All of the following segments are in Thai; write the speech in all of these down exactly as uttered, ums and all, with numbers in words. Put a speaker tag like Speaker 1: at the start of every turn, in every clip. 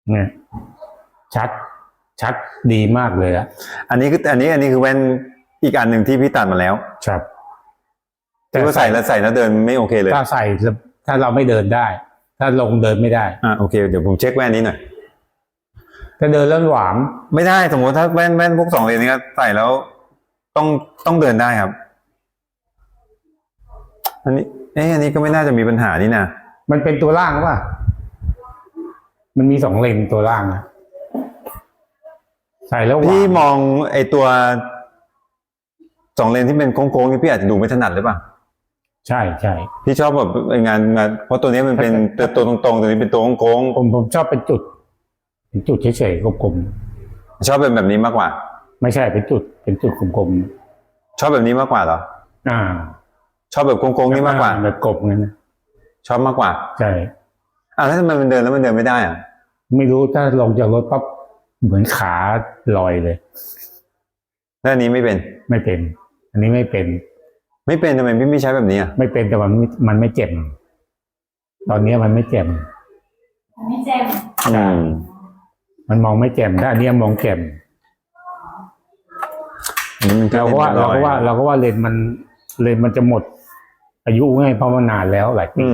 Speaker 1: เนี่ยชัดชัดดีมากเลยอะ
Speaker 2: อันนี้คืออันนี้อันนี้คือแว่นอีกอันหนึ่งที่พี่ตัดมาแล้ว
Speaker 1: ครับ
Speaker 2: แต่ว่าใส่แล้วใส่แล้วเดินไม่โอเคเลย
Speaker 1: ถ้าใส่ถ้าเราไม่เดินได้ถ้าลงเดินไม่ได้
Speaker 2: อ่าโอเคเดี๋ยวผมเช็คแว่นนี้หน่อย
Speaker 1: ถ้าเดินแล้วหวาน
Speaker 2: ไม่ได้สมมติถ้าแว่นแว่นพวกสองเลนนี้ใส่แล้วต้องต้องเดินได้ครับอันนี้เอ๊ะอันนี้ก็ไม่น่าจะมีปัญหานี่นะ
Speaker 1: มันเป็นตัวล่างป่ะมันมีสองเลนตัวล่างนะใส่แล้ว
Speaker 2: พี่มองไอตัวสองเลนที่เป็นโค้งๆนี่พี่อาจจะดูไม่ถนัดหรือเปล่า
Speaker 1: ใช่ใช่
Speaker 2: พี่ชอบแบบงานงานเพราะตัวนี้มันเป็นตัวตรงๆตัวนี้เป็นตัวโค้ง
Speaker 1: ๆผมผมชอบเป็นจุดเป็นจุดเฉยๆกลม
Speaker 2: ๆชอบเป็นแบบนี้มากกว่า
Speaker 1: ไม่ใช่เป็นจุดเป็นจุดกลม
Speaker 2: ๆชอบแบบนี้มากกว่าเหรอ
Speaker 1: อ่า
Speaker 2: ชอบแบบโค้งๆนี่มากกว่า
Speaker 1: แบบกลมงั้นนะ
Speaker 2: ชอบมากกว่า
Speaker 1: ใช่
Speaker 2: อ่าแล้วทำไมมันเดินแล้วมันเดินไม่ได้อ่ะ
Speaker 1: ไม่รู้ถ้าลงจากรถปั๊บเหมือนขาลอยเลย
Speaker 2: แล้วอันนี้ไม่เป็น
Speaker 1: ไม่เป็นอันนี้ไม่เป็น
Speaker 2: ไม่เป็นทำไมพี่ไม่ใช้แบบนี้อ่ะ
Speaker 1: ไม่เป็นแต่มันมันไม่เจ็บตอนนี้มันไม่เจ็บ
Speaker 3: ไม่เจ็บ
Speaker 2: อืม
Speaker 1: มันมองไม่เจ็บแต่อันนี้มองเจ็บเราก็ว่าเราก็ว่าเราก็ว่าเลนมันเลนมันจะหมดอายุไงเพราะมันนานแล้วหลายปี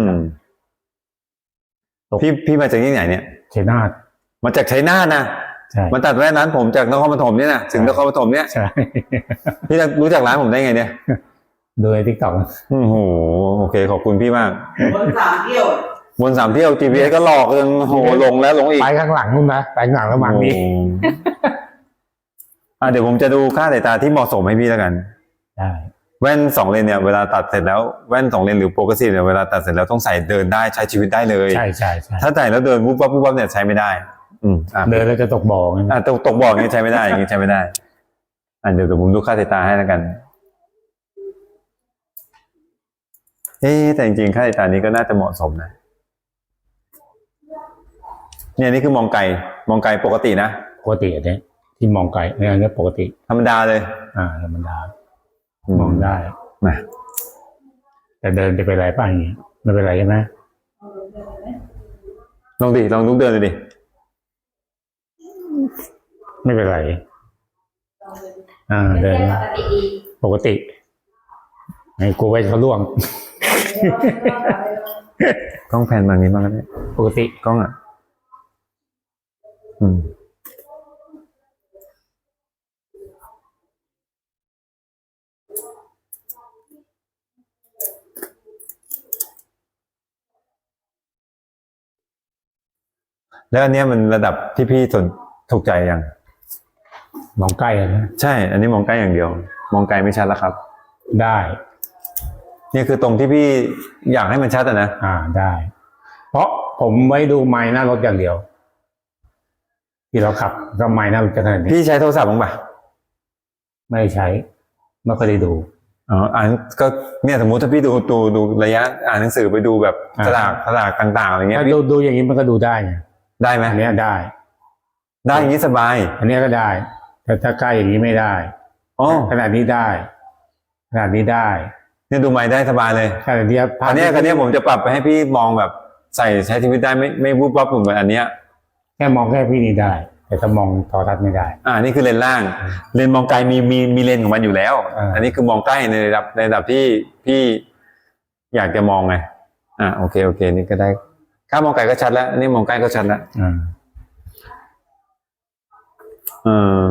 Speaker 2: พี่พี่มาจากที่ไหนเนี่ย
Speaker 1: ชัยนาท
Speaker 2: มาจากชัยนาทนะ
Speaker 1: ใช่
Speaker 2: มาตัดแว่นร้านผมจากนครปฐมเนี่ยนะถึงนครปฐมเนี่ย
Speaker 1: ใช่
Speaker 2: พี่จะรู้จักร้านผมได้ไงเนี่ย
Speaker 1: โดยทิกตอก
Speaker 2: โอ้โหโอเคขอบคุณพี่มาก
Speaker 3: บนสามเที่ยว
Speaker 2: บนสามเที่ยว จี พี เอส ก็หลอกจนโหลงแล้วลงอีก
Speaker 1: ไปข้างหลังนู่นนะไปข้างหลังระหว่างนี้
Speaker 2: อ่ะเดี๋ยวผมจะดูค่าสายตาที่เหมาะสมให้พี่แล้วกัน
Speaker 1: ได้
Speaker 2: แว่นสองเลนเนี่ยเวลาตัดเสร็จแล้วแว่นสองเลนหรือโปรเกรสซีฟเนี่ยเวลาตัดเสร็จแล้วต้องใส่เดินได้ใช้ชีวิตได้เลย
Speaker 1: ใช่ใช่ใช่
Speaker 2: ถ้าใส่แล้วเดินวุบวับวุบวับเนี่ยใช้ไม่ได้อืม
Speaker 1: เดินแล้วจะตกบ่อไง
Speaker 2: อ่ะตกตกบ่ออย่างนี้ใช้ไม่ได้อย่างนี้ใช้ไม่ได้อ่ะเดี๋ยวเดี๋ยวผมดูค่าสายตาให้แล้วกันเอ๊แต่จริงๆค่าสายตานี้ก็น่าจะเหมาะสมนะเนี่ยนี่คือมองไกลมองไกลปกตินะ
Speaker 1: ปกติอันนี้ที่มองไกลเนี่ยอันนี้ปกติ
Speaker 2: ธรรมดาเลย
Speaker 1: อ่าธรรมดามองได้
Speaker 2: นะ
Speaker 1: แต่เดินจะเป็นไรป่ะอย่างนี้ไม่เป็นไรใช่ไหม
Speaker 2: ลองดิลองลุกเดินเลยดิ
Speaker 1: ไม่เป็นไรอ่าเดินปกติไอ้กูไว้เขาล่วง
Speaker 2: กล้องแผ่นบางนี้มากเลย
Speaker 1: ปกติ
Speaker 2: กล้องอ่ะอืมแล้วอันนี้มันระดับที่พี่สนถูกใจยัง
Speaker 1: มองใกล้นะ
Speaker 2: ใช่อันนี้มองใกล้อย่างเดียวมองไกลไม่ชัดแล้วครับ
Speaker 1: ได้
Speaker 2: นี่คือตรงที่พี่อยากให้มันชัดอ่ะนะ
Speaker 1: อ่าได้เพราะผมไว้ดูไมค์หน้ารถอย่างเดียวที่เราขับก็ไมค์หน้ารถจะขนาดนี้
Speaker 2: พี่ใช้โทรศัพท์บ้างปะ
Speaker 1: ไม่ใช้ไม่เคยได้ดู
Speaker 2: อ๋ออ่านก็เนี่ยสมมติถ้าพี่ดูดูดูระยะอ่านหนังสือไปดูแบบสลากสลากต่างๆอะไรเงี้ย
Speaker 1: ดูดูอย่างนี้มันก็ดูได้ไง
Speaker 2: ได้ไหม
Speaker 1: อันนี้ได้
Speaker 2: ได้อย่างนี้สบาย
Speaker 1: อันนี้ก็ได้แต่ถ้าใกล้อย่างนี้ไม่ได้
Speaker 2: อ๋อ
Speaker 1: ขนาดนี้ได้ขนาดนี้ได้
Speaker 2: เนี่ยดูไมค์ได้สบายเลย
Speaker 1: ขนาดนี้
Speaker 2: อันนี้อันนี้ผมจะปรับไปให้พี่มองแบบใส่ใช้ชีวิตได้ไม่ไม่วุบวับเหมือนอันเนี้ย
Speaker 1: แค่มองแค่พี่นี่ได้แต่ถ้ามองโทรทัศน์ไม่ได้
Speaker 2: อ่านี่คือเลนล่างเลนมองไกลมีมีมีเลนของมันอยู่แล้วอันนี้คือมองใกล้ในระดับในระดับที่พี่อยากจะมองไงอ่าโอเคโอเคนี่ก็ได้ถ้ามองไกลก็ชัดแล้วอันนี้มองใกล้ก็ชัดแล้ว
Speaker 1: อ่า
Speaker 2: เออ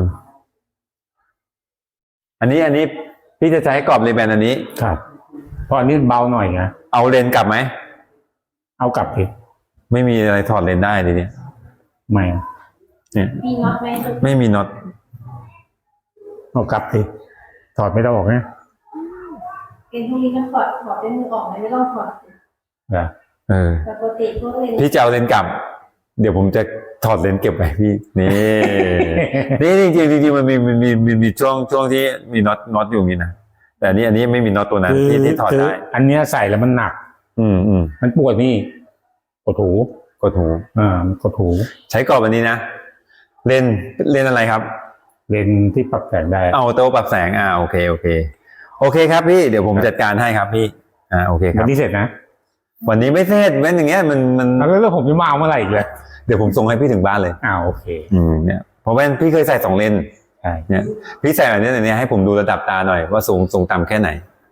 Speaker 2: อันนี้อันนี้พี่จะใช้กรอบเลนแบนอันนี้
Speaker 1: ครับเพราะอันนี้เบาหน่อยนะ
Speaker 2: เอาเลนกลับไหม
Speaker 1: เอากลับสิ
Speaker 2: ไม่มีอะไรถอดเลนได้ดิเนี่ย
Speaker 1: ไม่
Speaker 2: เนี่ย
Speaker 3: มีน็อตไหม
Speaker 2: ไม่มีน็อต
Speaker 1: เอากลับสิถอดไม่ต้องออกนะ
Speaker 3: เกณฑ์พวกนี้ต้องถอดถอดด้วยมือออกไม่ต้องถอด
Speaker 1: นะ
Speaker 2: เออ
Speaker 3: ปกติพวกเลน
Speaker 2: พี่จะเอาเลนกลับเดี๋ยวผมจะถอดเลนเก็บไว้พี่นี่ นี่จริงจริงจริงมันมีมันมีมันมีช่วงช่วงที่มีน็อตน็อตอยู่นี่นะแต่อันนี้อันนี้ไม่มีน็อตตัวนั้นที่ที่ถอดได้
Speaker 1: อันนี้ใส่แล้วมันหนัก
Speaker 2: อืมอืม
Speaker 1: มันปวดนี่กดหู
Speaker 2: กดหู
Speaker 1: อ่ากดหู
Speaker 2: ใช้กรอบอันนี้นะเลนเลนอะไรครับ
Speaker 1: เลนที่ปรับแสงได้
Speaker 2: เอาโต้ปรับแสงอ่าโอเคโอเคโอเคครับพี่เดี๋ยวผมจัดการให้ครับพี่อ่าโอเคครับ
Speaker 1: วันนี้เสร็จนะ
Speaker 2: วันนี้ไม่เสร็จแม้อย่างเงี้ยมันมัน
Speaker 1: แล้วแล้วผมจะมาเอาเมื่อไหร่อีกเลย
Speaker 2: เดี๋ยวผมส่งให้พี่ถึงบ้านเลย
Speaker 1: อ้าวโอเค
Speaker 2: อืมเนี่ยเพราะแว่นพี่เคยใส่สองเลนส์
Speaker 1: ใช่
Speaker 2: เนี่ยพี่ใส่แบบนี้เนี่ยให้ผมดูระดับตาหน่อยว่าสูงสูงต่ำแค่ไหน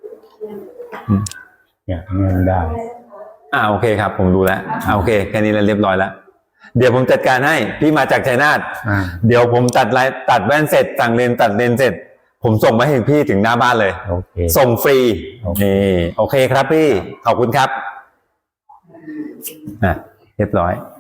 Speaker 1: เนี่ยเงินได้
Speaker 2: อ่าโอเคครับ ผมดูแล้วอ่าโอเคแค่นี้แล้วเรียบร้อยแล้วเดี๋ยวผมจัดการให้พี่มาจากชัยนาท
Speaker 1: อ่า
Speaker 2: เดี๋ยวผมตัดไลน์ตัดแว่นเสร็จสั่งเลนส์ตัดเลนส์เสร็จ ผมส่งมาให้พี่ถึงหน้าบ้านเลย
Speaker 1: โอเค
Speaker 2: ส่งฟรี
Speaker 1: โอเค
Speaker 2: นี่โอเคครับพี่ขอบคุณครับอ่ะเรียบร้อย